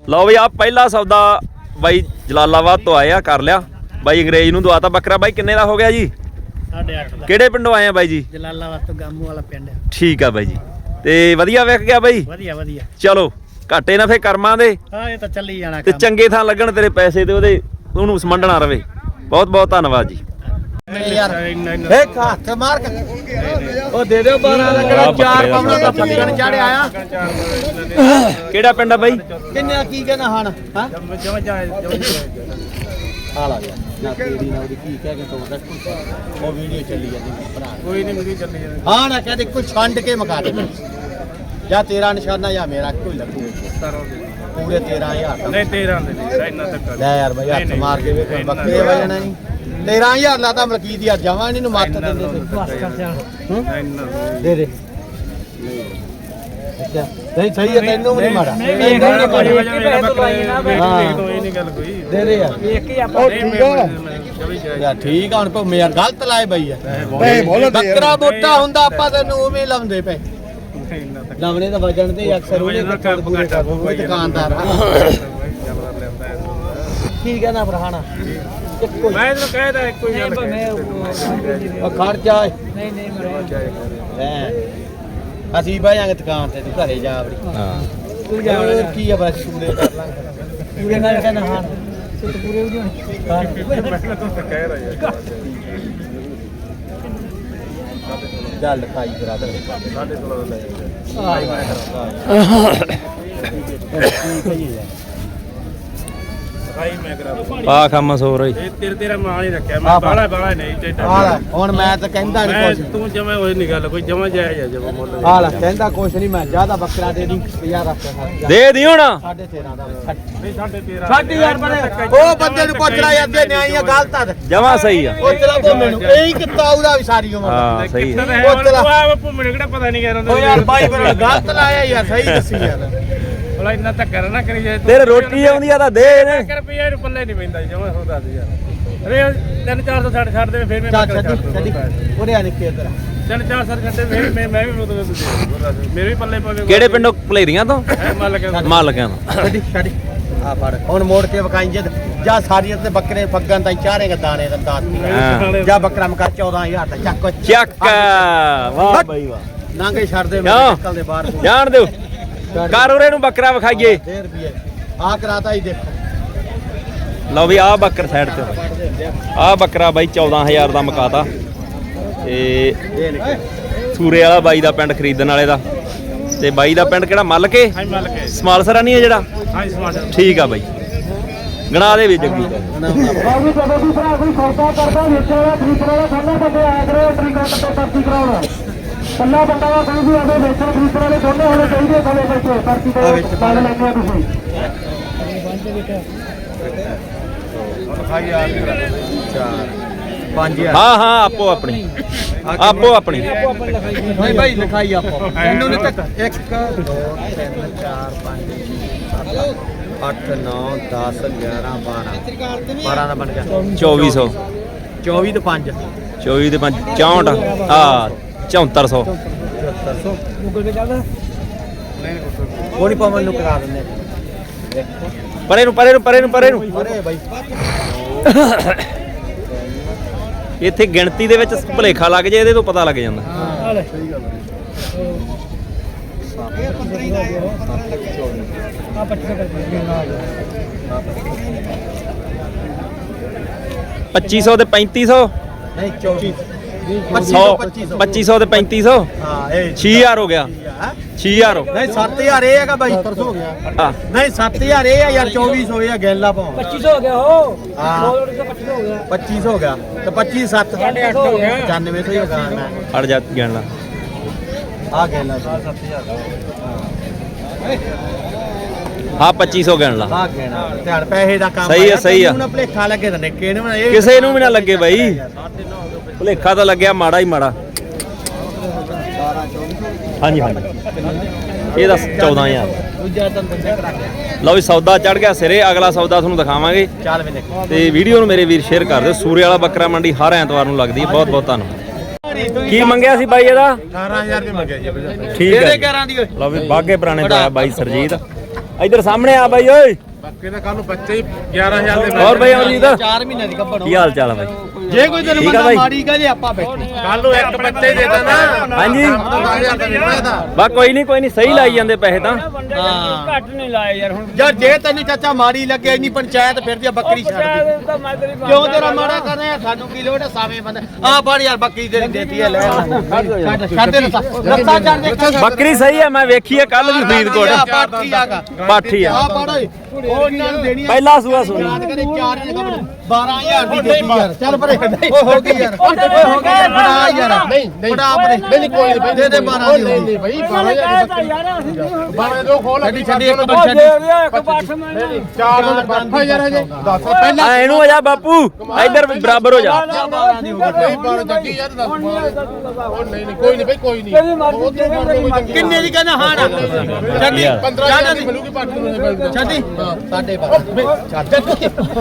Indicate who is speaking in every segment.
Speaker 1: ਲਓ ਬਈ ਆ ਪਹਿਲਾ ਸੌਦਾ ਬਾਈ ਜਲਾਲਾਬਾਦ ਤੋਂ ਆਏ ਆ, ਕਰ ਲਿਆ ਬਾਈ ਅੰਗਰੇਜ਼ ਨੂੰ ਦਵਾਤਾ ਬੱਕਰਾ। ਬਾਈ ਕਿੰਨੇ ਦਾ ਹੋ ਗਿਆ ਜੀ?
Speaker 2: 8.5 ਦਾ।
Speaker 1: ਕਿਹੜੇ ਪਿੰਡੋਂ ਆਏ ਆ ਬਾਈ ਜੀ?
Speaker 2: ਜਲਾਲਾਬਾਦ ਤੋਂ ਗਾਮੂ ਵਾਲਾ ਪਿੰਡ।
Speaker 1: ਠੀਕ ਆ ਬਾਈ ਜੀ, ਤੇ ਵਧੀਆ ਵਿਕ ਗਿਆ ਬਾਈ?
Speaker 2: ਵਧੀਆ ਵਧੀਆ।
Speaker 1: ਚਲੋ ਘਾਟੇ ਨਾ ਫੇ ਕਰਮਾਂ ਦੇ,
Speaker 2: ਹਾਂ ਇਹ ਤਾਂ ਚੱਲੀ ਜਾਣਾ
Speaker 1: ਤੇ ਚੰਗੇ ਥਾਂ ਲੱਗਣ ਤੇਰੇ ਪੈਸੇ ਤੇ ਉਹਦੇ ਉਹਨੂੰ ਸਮੰਡਣਾ ਰਵੇ। ਬਹੁਤ ਬਹੁਤ ਧੰਨਵਾਦ ਜੀ।
Speaker 2: ਯਾਰ ਇੱਕ ਹੱਥ ਮਾਰ ਕੇ ਉਹ ਦੇ ਦਿਓ 12 ਦਾ, ਕਿਹੜਾ 4 ਪਾਉਣਾ ਦਾ ਫੱਟਣ ਚੜਿਆ ਆ।
Speaker 1: ਕਿਹੜਾ ਪਿੰਡ ਆ ਬਾਈ?
Speaker 2: ਕਿੰਨੇ ਕੀ ਕਹਿਣਾ ਹਣ? ਹਾਂ ਆ ਲਾ ਗਿਆ ਨਾ ਤੇਰੀ ਨਾ ਉਹਦੀ ਕੀ ਕਹਿ ਕੇ ਤੋੜ ਰੱਖ। ਉਹ ਵੀਡੀਓ ਚੱਲੀ ਜਾਂਦੀ ਭਰਾ, ਕੋਈ ਨਹੀਂ ਵੀਡੀਓ ਚੱਲੀ ਜਾਂਦੀ। ਹਾਂ ਨਾ ਕਹਦੇ ਕੋਈ ਛੰਡ ਕੇ ਮਕਾ ਦੇ, ਜਾਂ ਤੇਰਾ ਨਿਸ਼ਾਨਾ ਜਾਂ ਮੇਰਾ ਕੋਈ ਲੱਗੂ ਪੂਰੇ 13,000 ਦਾ। ਨਹੀਂ 13 ਦੇ ਇੰਨਾ ਤੱਕ ਲੈ ਯਾਰ ਬਈ ਹੱਥ ਮਾਰ ਕੇ ਵੇਖ ਬੱਕਰੇ ਵਜਣਾ ਨਹੀਂ। 13,000 ਲਾਤਾ ਮਲਕੀਤ ਯਾਰ ਜਮਾਂ ਨਹੀਂ ਨੂੰ ਮੱਤ ਦਿੰਦੇ ਦੇ ਦੇ। ਅੱਛਾ ਨਹੀਂ ਸਹੀ ਹੈ, ਤੈਨੂੰ ਵੀ ਨਹੀਂ ਮਾੜਾ। ਹਾਂ ਇਹ ਨਹੀਂ ਗੱਲ ਕੋਈ ਦੇ ਦੇ ਯਾਰ, ਵੇਖ ਕੇ ਆਪਾਂ ਯਾਰ ਠੀਕ ਆ। ਹੁਣ ਭਵੇਂ ਯਾਰ ਗਲਤ ਲਾਏ ਬਈ ਯਾਰ, ਬੱਕਰਾ ਮੋਟਾ ਹੁੰਦਾ ਆਪਾਂ ਤੈਨੂੰ ਉਵੇਂ ਲਾਉਂਦੇ ਪਏ। ਲਾਵਣੇ ਤਾਂ ਵਜਣ ਤੇ ਅਕਸਰ ਉਹਨੇ ਪੂਰੇ ਕਰ ਕੋਈ ਦੁਕਾਨਦਾਰ ਠੀਕ ਹੈ ਨਾ ਫਰਹਾਨਾ। ਮੈਂ ਤੈਨੂੰ ਕਹਿਦਾ ਇੱਕੋ ਹੀ ਗੱਲ ਮੈਂ ਖਰਚਾ ਨਹੀਂ ਨਹੀਂ ਮੈਂ ਅਸੀਂ ਬਹਿ ਜਾਾਂਗੇ ਦੁਕਾਨ ਤੇ, ਤੂੰ ਘਰੇ ਜਾ ਆਪਣੀ। ਹਾਂ ਤੂੰ ਜਾ ਕੀ ਆ ਬਸ ਪੂਰੇ ਕਰ ਲਾਂਗੇ। ਪੂਰੇ ਨਾਲ ਕਹਿੰਦਾ ਹਾਂ ਤੂੰ ਪੂਰੇ ਹੋ ਜਾਣੇ। ਮੈਂ ਤੂੰ ਤਾਂ ਕਹਿ ਰਿਹਾ ਯਾਰ ਚੱਲ ਖਾਈ ਬਰਾਦਰ 16.5 ਲੈ
Speaker 1: ਪਾ ਕੰਮ ਸੋ ਰਹੀ
Speaker 2: ਤੇਰਾ ਮਾਲ ਹੀ ਰੱਖਿਆ ਮੈਂ, ਬਾਲਾ ਬਾਲਾ ਨਹੀਂ ਚਾਹੀਦਾ। ਹੁਣ ਮੈਂ ਤਾਂ ਕਹਿੰਦਾ ਨਹੀਂ ਕੁਛ, ਤੂੰ ਜਮੇ ਹੋਈ ਨਹੀਂ ਗੱਲ ਕੋਈ, ਜਮਾ ਜਾਇਜ਼ ਆ ਜਮਾ ਮੁੱਲ। ਹਾਲ ਕਹਿੰਦਾ ਕੁਛ ਨਹੀਂ, ਮੈਂ ਜਿਆਦਾ ਬੱਕਰਾ ਦੇ ਦੀ 50 ਰੱਖ
Speaker 1: ਦੇ ਦੀ ਹੁਣ
Speaker 2: 13.5 ਦਾ। ਨਹੀਂ 13.5 ਬਣੇ ਉਹ ਬੰਦੇ ਨੂੰ ਪੁੱਛ ਲੈ ਜਾਂਦੇ ਨਿਆਈ ਆ ਗਲਤ ਆ
Speaker 1: ਜਮਾ ਸਹੀ ਆ।
Speaker 2: ਉਹ ਚਲਾ ਭੁੰਮੇ ਨੂੰ ਇਹੀ ਕਿੱਤਾ ਉਹਦਾ ਵੀ ਸਾਰੀ ਉਮਰ।
Speaker 1: ਹਾਂ ਸਹੀ ਆ।
Speaker 2: ਉਹ ਚਲਾ ਭੁੰਮੇ ਨੂੰ ਕਿਹੜਾ ਪਤਾ ਨਹੀਂ ਕਰਦਾ। ਉਹ ਯਾਰ ਬਾਈ ਪਰ ਗਲਤ ਲਾਇਆ ਯਾਰ, ਸਹੀ ਦੱਸੀ ਯਾਰ। ਬਲਾ ਇੰਨਾ ਧੱਕਾ ਨਾ ਕਰੀ ਜਾਏ।
Speaker 1: ਤੇਰੇ ਰੋਟੀ ਆਉਂਦੀ ਆ ਤਾਂ ਦੇ ਨੇ।
Speaker 2: 1 ਰੁਪਿਆ ਨੂੰ ਪੱਲੇ ਨਹੀਂ ਪੈਂਦਾ ਜਮਾ ਹੁੰਦਾ ਸੀ ਯਾਰ। ਅਰੇ 3-400 ਛੱਡ ਦੇ ਫਿਰ ਮੈਂ ਛੱਡੀ ਉਹਦੇ ਆ ਨਿੱਕੇ ਤੇਰਾ 3-400 ਛੱਡੇ ਫਿਰ ਮੈਂ ਵੀ ਮੇਰੇ ਵੀ ਪੱਲੇ ਪਵੇ।
Speaker 1: ਕਿਹੜੇ ਪਿੰਡੋਂ? ਭਲੇਰੀਆਂ ਤੋਂ? ਮਾਲ ਲਗਿਆ
Speaker 2: ਛੱਡੀ ਛੱਡੀ ਆ ਫੜ ਹੁਣ ਮੋੜ ਕੇ ਵਕਾਈ ਜਦ ਜਾ ਸਾਰੀਆਂ ਤੇ ਬੱਕਰੇ ਫੱਗਾਂ ਤਾਂ ਚਾਰੇਗਾ ਦਾਣੇ ਦਾ ਦਾਤ ਜਾ ਬੱਕਰਾ ਮਕਾ 14,000 ਦਾ ਚੱਕ
Speaker 1: ਚੱਕ। ਵਾਹ ਬਾਈ ਵਾਹ।
Speaker 2: ਨਾਂਗੇ ਛੱਡ ਦੇ ਨਿਕਲਦੇ ਬਾਹਰ
Speaker 1: ਜਾਣ ਦਿਓ। ਕਰ ਉਰੇ ਨੂੰ ਬੱਕਰਾ ਵਿਖਾਈਏ।
Speaker 2: 1.5 ਰੁਪਏ ਆ ਕਰਾਤਾ ਹੀ ਦੇਖੋ।
Speaker 1: ਲਓ ਵੀ ਆਹ ਬੱਕਰ ਸਾਈਡ ਤੇ, ਆਹ ਬੱਕਰਾ ਬਾਈ 14,000 ਦਾ ਮਕਾਤਾ। ਤੇ ਸੂਰੇ ਵਾਲਾ ਬਾਈ ਦਾ ਪਿੰਡ ਖਰੀਦਣ ਵਾਲੇ ਦਾ, ਤੇ ਬਾਈ ਦਾ ਪਿੰਡ ਕਿਹੜਾ? ਮੱਲ ਕੇ ਸਮਾਲਸਰਾ ਨਹੀਂ ਹੈ ਜਿਹੜਾ? ਠੀਕ ਆ ਬਾਈ, ਗਣਾ ਦੇ ਵਿੱਚ ਜੱਗੀ।
Speaker 3: ਕੱਲਾ ਬੰਦਾ ਦਾ ਕੋਈ ਵੀ ਆਵੇ ਵੇਚਣ ਖਰੀਦਣ ਵਾਲੇ ਦੋਨੇ ਹੋਣੇ ਚਾਹੀਦੇ ਕੋਲੇ ਵਿੱਚ ਪਰਚੀ ਤੇ ਪਾ ਲੈਂਦੇ ਆ ਤੁਸੀਂ।
Speaker 1: ਹਾਂ ਹਾਂ ਆਪੋ ਆਪਣੀ ਆਪੋ ਆਪਣੀ
Speaker 2: ਨਹੀਂ ਭਾਈ ਲਿਖਾਈ ਆਪੋ ਇਹਨੂੰ ਨਹੀਂ ਤੱਕ 1 2 3 4 5 8 9 10 11 12 ਦਾ ਬਣ ਗਿਆ
Speaker 1: 2400
Speaker 2: 24 ਤੇ 5
Speaker 1: 24 ਤੇ 5 64 ਆ 7400
Speaker 2: ਗੂਗਲ ਪੇ ਚੱਲਦਾ ਉਹ ਨਹੀਂ ਪਾਵਨ ਨੂੰ ਕਰਾ ਦਿੰਦੇ।
Speaker 1: ਪਰੇ ਨੂੰ ਪਰੇ ਨੂੰ ਪਰੇ ਨੂੰ ਪਰੇ ਨੂੰ
Speaker 2: ਅਰੇ ਬਾਈ
Speaker 1: ਇੱਥੇ ਗਿਣਤੀ ਦੇ ਵਿੱਚ ਭੁਲੇਖਾ ਲੱਗ ਜੇ, ਇਹਦੇ ਤੋਂ ਪਤਾ ਲੱਗ ਜਾਂਦਾ।
Speaker 2: ਹਾਂ ਸਹੀ ਗੱਲ ਹੈ। ਇਹ 15 ਆ
Speaker 1: 2500 ਤੇ 3500
Speaker 2: ਨਹੀਂ 24
Speaker 1: 2500 ਤੇ 3500
Speaker 2: ਹਾਂ ਇਹ
Speaker 1: 6000 ਹੋ ਗਿਆ। 6000
Speaker 2: ਨਹੀਂ 7000 ਇਹ ਹੈਗਾ ਬਾਈ 700 ਹੋ ਗਿਆ। ਨਹੀਂ 7000 ਇਹ ਆ ਯਾਰ 2400 ਇਹ ਆ ਗੈਲਾ ਪਾਉ 2500 ਹੋ ਗਿਆ। ਉਹ ਹਾਂ 2500 ਹੋ ਗਿਆ 2500 ਹੋ ਗਿਆ ਤੇ 25 7 800 ਹੋ ਗਿਆ 9500 ਹੀ ਹੋਗਾ। ਮੈਂ
Speaker 1: ਅੜ ਜਾ ਗਿਣ ਲਾ
Speaker 2: ਆ ਗੈਲਾ 7000
Speaker 1: ਹਾਂ 2500 ਗਿਣ ਲਾ।
Speaker 2: ਆ ਗੈਣਾ ਧਿਆਨ ਪੈਸੇ ਦਾ ਕੰਮ
Speaker 1: ਸਹੀ ਹੈ ਸਹੀ ਆ।
Speaker 2: ਨੂੰ ਭਲੇਖਾ ਲੱਗੇ ਤਾਂ ਨਿੱਕੇ ਨੂੰ
Speaker 1: ਕਿਸੇ ਨੂੰ ਵੀ ਨਾ ਲੱਗੇ ਬਾਈ, ਭੁਲੇਖਾ ਤਾਂ ਲੱਗਿਆ ਮਾੜਾ ਹੀ ਮਾੜਾ। ਹਾਂਜੀ ਹਾਂਜੀ ਇਹਦਾ 14,000।
Speaker 2: ਦੂਜਾ ਤਾਂ ਬੰਦੇ ਕਰਾ ਗਿਆ।
Speaker 1: ਲਓ ਵੀ ਸੌਦਾ ਚੜ ਗਿਆ ਸਿਰੇ, ਅਗਲਾ ਸੌਦਾ ਤੁਹਾਨੂੰ ਦਿਖਾਵਾਂਗੇ।
Speaker 2: ਚੱਲ ਵੇ ਦੇਖੋ
Speaker 1: ਤੇ ਵੀਡੀਓ ਨੂੰ ਮੇਰੇ ਵੀਰ ਸ਼ੇਅਰ ਕਰ ਦਿਓ। ਸੂਰੇ ਵਾਲਾ ਬੱਕਰਾ ਮੰਡੀ ਹਰ ਐਤਵਾਰ ਨੂੰ ਲੱਗਦੀ ਹੈ। ਬਹੁਤ ਬਹੁਤ ਧੰਨਵਾਦ। ਕੀ ਮੰਗਿਆ ਸੀ ਬਾਈ ਇਹਦਾ?
Speaker 2: 18000 ਰੁਪਏ ਮੰਗਿਆ ਜੀ।
Speaker 1: ਠੀਕ ਹੈ
Speaker 2: 11 ਦੀ
Speaker 1: ਲਓ ਵੀ ਬਾਗੇ ਪੁਰਾਣੇ ਤੋਂ ਆਇਆ ਬਾਈ ਸਰਜੀਤ। ਇੱਧਰ ਸਾਹਮਣੇ ਆ ਬਾਈ ਓਏ
Speaker 4: ਬਾਕੀ ਦਾ ਕੱਲ ਨੂੰ ਬੱਚੇ ਹੀ 11000 ਦੇ
Speaker 1: ਹੋਰ ਬਾਈ ਅਮਰਜੀਤ
Speaker 2: 4 ਮਹੀਨੇ ਦੀ ਗੱਭਣ
Speaker 1: ਕੀ ਹਾਲ ਚਾਲ ਆ ਬਾਈ
Speaker 2: ਜੇ ਕੋਈ ਤੈਨੂੰ
Speaker 1: ਠੀਕ ਆ
Speaker 2: ਬੰਦਾ
Speaker 1: ਬਾਈ।
Speaker 2: ਮਾੜੀ ਕਹੇ ਆਪਾਂ ਬੈਠੇ
Speaker 4: ਕੱਲ ਨੂੰ ਇੱਕ ਬੱਚੇ ਹੀ ਦੇ ਦੇਣਾ
Speaker 1: ਹਾਂਜੀ
Speaker 4: 10000 ਦਾ ਵਿਕਣਾ ਇਹਦਾ
Speaker 1: ਬਾ ਕੋਈ ਨਹੀਂ ਸਹੀ ਲਾਈ ਜਾਂਦੇ ਪੈਸੇ ਤਾਂ
Speaker 2: ਹਾਂ
Speaker 3: ਘੱਟ ਨਹੀਂ ਲਾਏ ਯਾਰ ਹੁਣ
Speaker 2: ਯਾਰ ਜੇ ਤੈਨੂੰ ਚਾਚਾ ਮਾੜੀ ਲੱਗੇ ਇੰਨੀ ਪੰਚਾਇਤ ਫਿਰਦੀ ਆ ਬੱਕਰੀ ਛੱਡ ਦੇ ਕਿਉਂ ਤੇਰਾ ਮਾੜਾ ਕਰ ਰਿਹਾ ਸਾਨੂੰ ਕੀ ਲੋੜ ਹੈ ਸਾਵੇਂ ਬੰਦੇ ਆ ਫੜ ਯਾਰ ਬੱਕਰੀ ਤੇਰੀ ਦੇਤੀ ਹੈ ਲੈ ਛੱਡ ਦੇ ਲੱਤਾਂ ਛੱਡ ਦੇ
Speaker 1: ਬੱਕਰੀ ਸਹੀ ਹੈ ਮੈਂ ਵੇਖੀ ਹੈ ਕੱਲ ਵੀ ਫਰੀਦਕੋਟ
Speaker 2: ਪਾਠੀ ਆਗਾ
Speaker 1: ਪਾਠੀ ਆ
Speaker 2: ਆ ਫੜ ਓਏ ਉਹ ਇਹਨਾਂ ਨੂੰ ਦੇਣੀ ਆ
Speaker 1: ਪਹਿਲਾ ਸੂਆ ਸੋਨੀ
Speaker 2: ਯਾਦ ਕਰੇ 4 ਨੇ 12000 ਦੀ ਦੇਤੀ ਯਾਰ ਚੱਲ ਪਰੇ ਓਏ ਹੋ ਗਈ ਯਾਰ ਓਏ ਹੋ ਗਈ ਬੜਾ ਯਾਰ ਨਹੀਂ ਬੜਾ ਪਰੇ ਨਹੀਂ ਕੋਈ ਨਹੀਂ ਦੇ ਦੇ 12 ਦੀ
Speaker 4: ਨਹੀਂ ਬਈ 12000 ਦੀ ਬੱਕਰੀ 12 ਦੋ ਖੋਲ
Speaker 2: ਛੱਡੀ ਛੱਡੀ ਇੱਕ ਮਿੰਟ ਛੱਡੀ
Speaker 3: ਇੱਕ ਪਾਠ ਮੈਂ
Speaker 4: 4 ਦਾ ਬੱਠਾ ਯਾਰ ਹਜੇ 10 ਪਹਿਲਾਂ
Speaker 1: ਆ ਇਹਨੂੰ ਹੋ ਜਾ ਬਾਪੂ ਇੱਧਰ ਵੀ ਬਰਾਬਰ ਹੋ ਜਾ
Speaker 2: 12 ਦੀ ਹੋ ਗਈ
Speaker 4: ਨਹੀਂ 12 ਜੱਗੀ ਯਾਰ 10 ਉਹ ਨਹੀਂ ਕੋਈ ਨਹੀਂ ਬਈ ਕੋਈ ਨਹੀਂ
Speaker 3: ਤੇਰੀ ਮਰਜ਼ੀ
Speaker 2: ਕਿੰਨੇ ਦੀ ਕਹਿੰਦਾ ਹਾਂ ਨਾ ਛੱਡੀ
Speaker 4: 15000 ਦੀ ਮਿਲੂਗੀ ਪੱਟ ਨੂੰ
Speaker 2: ਛੱਡੀ ਸਾਡੇ ਬਾਬਾ ਛੱਡ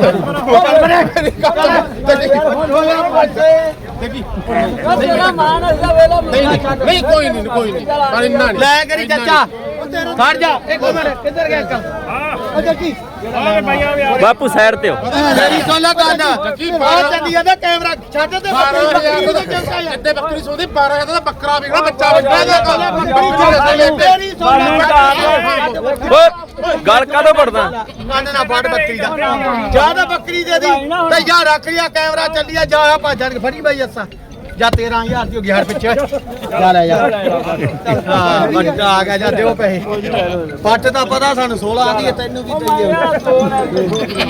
Speaker 3: ਤੇਰਾ ਮਾਨ ਅਸਦਾ ਵੇਲਾ
Speaker 4: ਨਹੀਂ ਕੋਈ ਨਹੀਂ ਪਰ ਇੰਨਾ ਨਹੀਂ
Speaker 2: ਲੈ ਕਰੀ ਚਾਚਾ ਖੜ ਜਾ ਇੱਕ ਮਿੰਟ ਕਿੱਧਰ ਗਿਆ ਅੰਕਲ ਉਹ ਜੱਗੀ
Speaker 1: ਬਾਪੂ ਸਾਈਡ ਤੇ ਹੋ
Speaker 2: ਮੇਰੀ ਸੋਲਾ ਗਾਣਾ ਆ ਚੱਲੀ ਜਾਂਦਾ ਕੈਮਰਾ ਛੱਡ ਤੇ ਬੱਕਰੀ ਦੇ ਚਮਕਾ ਯਾਰ
Speaker 4: ਇੱਥੇ ਬੱਕਰੀ ਸੋਦੀ 12000 ਦਾ ਬੱਕਰਾ ਵਿਕਣਾ ਬੱਚਾ ਵਿਕਣਾ
Speaker 2: ਮੇਰੀ ਸੋਲਾ
Speaker 1: ਓਏ ਗਲ ਕਾਦੋਂ ਪੜਦਾ
Speaker 2: ਕੰਨ ਨਾ ਫੜ ਬੱਕਰੀ ਦਾ ਜਾਂ ਤਾਂ ਬੱਕਰੀ ਦੇ ਦੀ ਤੇ ਜਾਂ ਰੱਖ ਲਿਆ ਕੈਮਰਾ ਚੱਲਿਆ ਜਾ ਆ ਭਾਜਣ ਕੇ ਫੜੀ ਬਾਈ ਅਸਾਂ ਜਾਂ 13000 ਦੀ ਹੋ ਗਈ ਹਰ ਪਿੱਛੇ ਜਾ ਲੈ ਯਾਰ ਹਾਂ ਵੱਡਾ ਆ ਗਿਆ ਜਾਂ ਦਿਓ ਪੈਸੇ ਪੱਟ ਦਾ ਪਤਾ ਸਾਨੂੰ 16 ਆਦੀ ਹੈ ਤੈਨੂੰ ਕੀ ਚਾਹੀਏ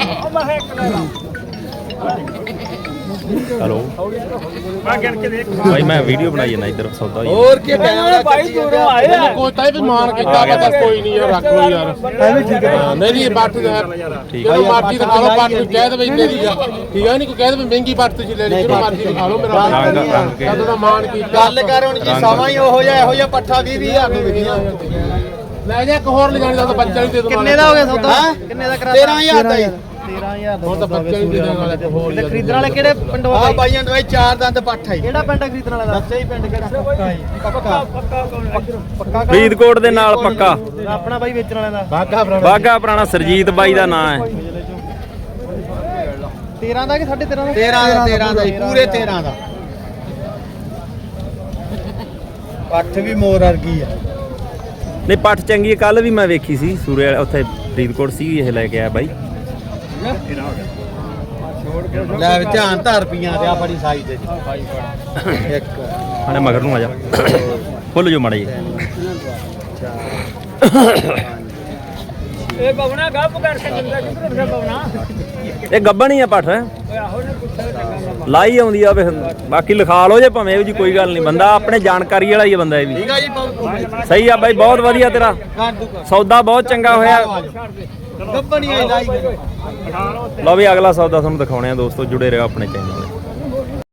Speaker 1: ਹਲੋ ਭਾਈ ਮੈਂ ਵੀਡੀਓ ਬਣਾਈ ਜਾਂਦਾ ਇੱਧਰ ਸੌਦਾ ਹੋਈ
Speaker 2: ਹੋਰ ਕੀ ਕੈਮਰਾ
Speaker 3: ਭਾਈ ਦੂਰੋਂ ਆਏ ਆ
Speaker 4: ਕੋਈ ਤਾਂ ਵੀ ਮਾਨ ਕੀਤਾ ਵਾ ਕੋਈ ਨਹੀਂ ਯਾਰ ਰੱਖ ਲੋ ਯਾਰ ਐਵੇਂ ਠੀਕ ਹੈ ਨਹੀਂ ਨਹੀਂ ਬੱਟ
Speaker 1: ਠੀਕ
Speaker 4: ਜਦੋਂ ਮਰਜ਼ੀ ਦਿਖਾ ਲਓ ਬੱਟ ਨੂੰ ਕਹਿ ਦੇਵੇ ਮੇਰੀ ਠੀਕ ਹੈ ਨਹੀਂ ਕੋਈ ਕਹਿ ਦੇਵੇ ਮਹਿੰਗੀ ਬੱਟ ਤੁਸੀਂ ਲੈ ਲਈ ਜਦੋਂ ਮਰਜ਼ੀ ਦਿਖਾ ਲਓ ਮੇਰਾ ਕਦੋਂ ਦਾ ਮਾਨ ਕੀਤਾ
Speaker 2: ਗੱਲ ਕਰ ਹੁਣ ਜੀ ਸਮਾਂ ਹੀ ਉਹੋ ਜਿਹਾ ਇਹੋ ਜਿਹਾ ਪੱਠਾ 20,000 ਨੂੰ ਵਿਕਿਆ
Speaker 4: ਲੈ ਜਾ ਇੱਕ ਹੋਰ ਲੈ ਜਾਣੀ ਦਾ ਬੱਚਾ ਨਹੀਂ ਦੇ ਦੋ
Speaker 2: ਕਿੰਨੇ ਦਾ ਹੋ ਗਿਆ ਸੌਦਾ ਕਿੰਨੇ ਦਾ ਕਰਾ 13000 ਦਾ ਹੀ 13000
Speaker 4: ਹੁਣ ਤਾਂ ਬੱਚਾ ਨਹੀਂ ਦੇ ਦੇਣ ਵਾਲਾ ਤੇ ਹੋਰ ਯਾਰ
Speaker 2: ਖਰੀਦਣ ਵਾਲੇ ਕਿਹੜੇ ਪਿੰਡੋਂ ਆ ਬਾਈਆਂ ਨੂੰ ਇਹ 4 ਦੰਦ ਪੱਠਾ ਹੀ ਕਿਹੜਾ ਪਿੰਡ ਖਰੀਦਣ ਵਾਲਾ ਦੱਸੇ ਹੀ ਪਿੰਡ ਕਿਹੜਾ ਪੱਕਾ
Speaker 1: ਫਰੀਦਕੋਟ ਦੇ ਨਾਲ ਪੱਕਾ
Speaker 2: ਆਪਣਾ ਬਾਈ ਵੇਚਣ ਵਾਲਿਆਂ ਦਾ
Speaker 1: ਬਾਗਾ ਪੁਰਾਣਾ ਸਰਜੀਤ ਬਾਈ ਦਾ ਨਾਂ ਹੈ
Speaker 2: 13 ਦਾ ਕਿ 13.5 ਦਾ 13 ਦਾ ਹੀ ਪੂਰੇ 13 ਦਾ ਪੱਠ ਵੀ ਮੋਰ ਵਰਗੀ ਆ
Speaker 1: ਨਹੀਂ ਪੱਠ ਚੰਗੀ ਕੱਲ ਵੀ ਮੈਂ ਵੇਖੀ ਸੀ ਸੂਰੇ ਵਾਲੇ ਉੱਥੇ ਫਰੀਦਕੋਟ ਸੀ ਇਹ ਲੈ ਕੇ ਆਇਆ ਬਾਈ
Speaker 2: ਲੈ ਧਿਆਨ ਧਾਰ ਰੁਪਈਆਂ ਤੇ ਆ ਬੜੀ ਸਾਈ ਤੇ ਇੱਕ
Speaker 1: ਹਾਣੇ ਮਗਰ ਨੂੰ ਆ ਜਾ ਖੁੱਲ ਜੋ ਮਾੜਾ ਜੀ
Speaker 3: ਇਹ ਬਵਣਾ ਗੱਪ ਕਰਕੇ ਜਿੰਦਾ ਕਿਧਰ ਫਿਰ ਬਵਣਾ
Speaker 1: ਇਹ ਗੱਬਣ ਹੀ ਆ ਪੱਠ
Speaker 3: ਓਏ ਆਹੋ ਨੇ ਪੁੱਛਿਆ ਤਾਂ
Speaker 1: ਲਾਈ ਆਉਂਦੀ ਆ ਵੇ ਬਾਕੀ ਲਿਖਾ ਲਓ ਜੇ ਭਾਵੇਂ ਇਹ ਜੀ ਕੋਈ ਗੱਲ ਨਹੀਂ ਬੰਦਾ ਆਪਣੇ ਜਾਣਕਾਰੀ ਵਾਲਾ ਹੀ ਆ ਬੰਦਾ ਇਹ ਵੀ
Speaker 2: ਠੀਕ ਆ ਜੀ ਪਾਉ
Speaker 1: ਸਹੀ ਆ ਬਾਈ ਬਹੁਤ ਵਧੀਆ ਤੇਰਾ ਸੌਦਾ ਬਹੁਤ ਚੰਗਾ ਹੋਇਆ
Speaker 2: ਗੱਬਣੀ ਆਈ ਲਾਈ
Speaker 1: ਲਓ ਵੀ ਅਗਲਾ ਸੌਦਾ ਤੁਹਾਨੂੰ ਦਿਖਾਉਣੇ ਆ ਦੋਸਤੋ ਜੁੜੇ ਰਹੋ ਆਪਣੇ ਚੈਨਲ ਨਾਲ